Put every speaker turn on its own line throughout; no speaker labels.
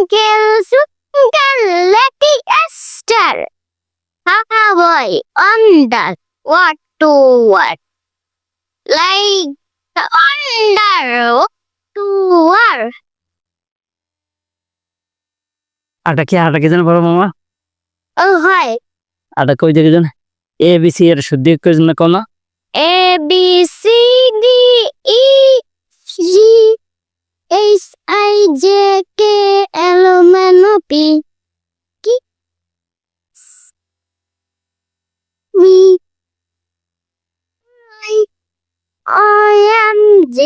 Lucky Esther. How boy under what to what? Like under to what?
আটা কি জানো বড় মামা?
Oh hi.
আটা কই দেখে জানো? ABC এর শুদ্ধি কই জানো কোনা?
A B C D E G H I J K L M N O P Q V I M G.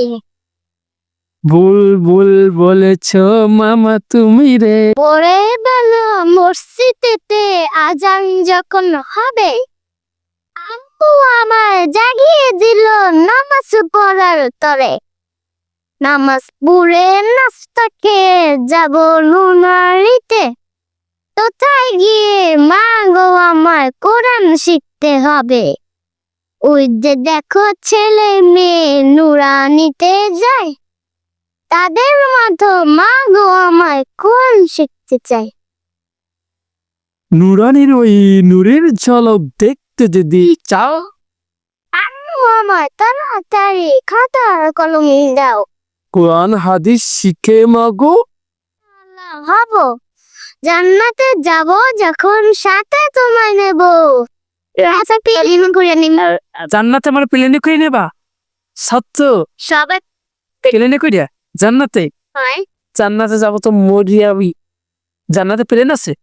বুলবুল বলেছ মামা তুমি রে।
পরে বেলা মসজিদেতে আজান যখন হবে আম্মু আমার জাগিয়ে দিল নামাজ পড়ার তরে। নামাজ পড়ে নাস্তা খেয়ে যাব নুনারিতে। কোথায় গিয়ে মা গো আমার কোরআন শিখতে হবে। ওই যে দেখো ছেলে মেয়ে নুরানিতে যায়। তাদের মতো মা গো আমায় কোরআন শিখতে চাই।
নুরানির ওই নূরের ঝলক দেখতে যদি চাও,
আম্মু আমায় তাড়াতাড়ি খাতা আর কলম দাও।
কোরআন হাদিস শিখে মাগো।
হব জান্নাতে যাব যখন সাথে তোমায় নেব। রাজা প্লেন করে নিব।
জান্নাতে আমার প্লেনে করে নেবা? সত্য
সবাই
প্লেনে কইরা জান্নাতে?
হয়
জান্নাতে যাব তো মরিয়াবি। জান্নাতে প্লেন আছে?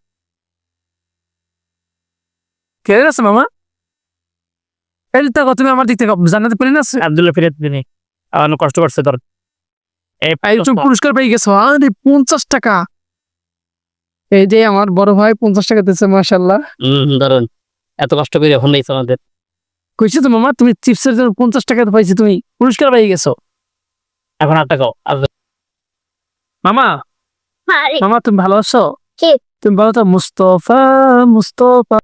প্লেন আছে মামা? এই তো তুমি আমার দিক থেকে জান্নাতে প্লেন আছে? আব্দুল্লাহ ফিরে দিনে আমার কষ্ট করছে ধর। এই তুমি পুরস্কার পেয়ে গেছো। আরে 50 টাকা। এই যে আমার বড় ভাই 50 টাকা দিয়েছে মাশাআল্লাহ।
দারুন, এত কষ্ট করে এখন দিয়েছে আমাদের।
কইছো তো মামা তুমি চিপসের জন্য 50 টাকা পাইছি, তুমি পুরস্কার পেয়ে গেছো।
এখন 8 টাকাও
মামা
আরে
মামা তুমি ভালো আছো?
কে?
তুমি ভালো তো? মুস্তফা মুস্তফা